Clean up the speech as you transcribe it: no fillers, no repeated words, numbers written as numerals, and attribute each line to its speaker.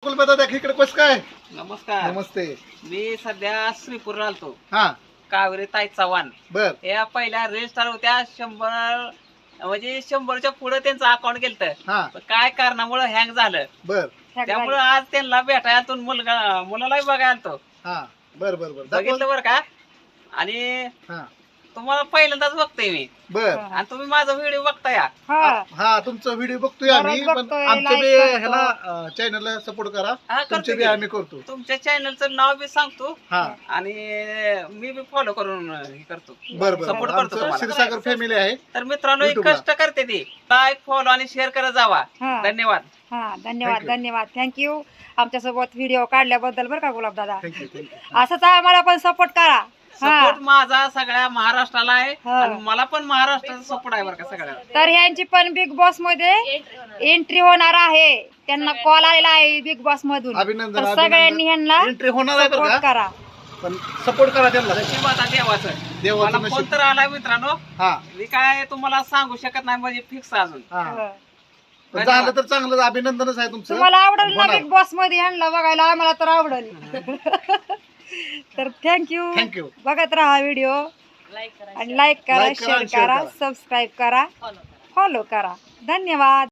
Speaker 1: कुलबदा दाखल इकडे कसं काय?
Speaker 2: नमस्कार.
Speaker 1: नमस्ते.
Speaker 2: मी सध्या श्रीपूरला आलतो.
Speaker 1: हा
Speaker 2: कावेरी ताई चव्हाण
Speaker 1: बर
Speaker 2: या पहिल्या रजिस्टर होत्या 100 म्हणजे 100च्या पुढे त्यांचं अकाउंट गेलतं.
Speaker 1: हा
Speaker 2: पण काय कारणामुळे हँग झालं
Speaker 1: बर
Speaker 2: त्यामुळे आज त्यांना भेटायला तो मुलालाही बघायला आलतो.
Speaker 1: हा बर बर बर
Speaker 2: बघितलं बरं का आणि
Speaker 1: हा
Speaker 2: तुम्हाला पहिल्यांदाच बघतोय मी
Speaker 1: बर
Speaker 2: आणि तुम्ही माझा व्हिडिओ बघताय.
Speaker 1: हा तुमचा व्हिडिओ बघतोय आम्ही पण
Speaker 3: बघतोय,
Speaker 1: आमच्या बी
Speaker 3: like करतो.
Speaker 1: ह्याला चॅनलला सपोर्ट करा.
Speaker 2: हा
Speaker 1: तुमचे
Speaker 2: करतो
Speaker 1: बी
Speaker 2: की.
Speaker 1: आम्ही करतो.
Speaker 2: तुमच्या चॅनलचं नाव बी सांगतो
Speaker 1: हा
Speaker 2: आणि मी बी फॉलो करून हे करतो.
Speaker 1: बर बर
Speaker 2: Support करतो
Speaker 1: आमचं
Speaker 2: तुम्हाला.
Speaker 1: क्षीरसागर फॅमिली आहे.
Speaker 2: तर मित्रांनो एक
Speaker 1: YouTube ला.
Speaker 2: कष्ट करते ती लाईक फॉलो आणि शेअर करत जावा.
Speaker 3: हा.
Speaker 2: धन्यवाद.
Speaker 3: हा धन्यवाद
Speaker 1: Thank you.
Speaker 3: धन्यवाद थँक्यू आमच्यासोबत व्हिडिओ काढल्याबद्दल बरं का गुलाब दादा.
Speaker 1: Thank you thank you.
Speaker 3: असंच आम्हाला पण सपोर्ट करा.
Speaker 2: सपोर्ट माझा सगळ्या महाराष्ट्राला आहे
Speaker 3: हा.
Speaker 2: आणि मला पण महाराष्ट्राचा सपोर्ट आहे बरं का सगळ्याला.
Speaker 3: तर ह्यांची पण बिग बॉस मध्ये एंट्री होणार आहे. त्यांना कॉल आलेला आहे बिग बॉस मधून.
Speaker 1: अभिनंदन
Speaker 3: तर सगळ्यांनी ह्यांना
Speaker 1: एंट्री होणार आहे बरं
Speaker 3: सपोर्ट
Speaker 1: का
Speaker 3: करा.
Speaker 1: पण सपोर्ट करा त्यांना.
Speaker 2: नशीब आता देवाचं.
Speaker 1: देवाचं
Speaker 2: मला फोन
Speaker 1: नशीब.
Speaker 2: तर आलाय मित्रांनो.
Speaker 1: हा
Speaker 2: मी काय तुम्हाला सांगू शकत नाही म्हणजे फिक्स अजून.
Speaker 1: हा
Speaker 3: हो.
Speaker 1: पण झालं तर चांगलं अभिनंदनच आहे तुमचं.
Speaker 3: तुम्हाला आवडेल ना
Speaker 1: होणार.
Speaker 3: बिग बॉस मध्ये ह्यांना बघायला आम्हाला तर आवडेल. तर थँक्यू
Speaker 1: थँक्यू.
Speaker 3: बघत राहा व्हिडिओ आणि लाईक करा
Speaker 1: Like करा
Speaker 3: शेअर
Speaker 1: आणि share
Speaker 3: करा
Speaker 1: करा.
Speaker 3: सबस्क्राईब करा फॉलो करा. धन्यवाद.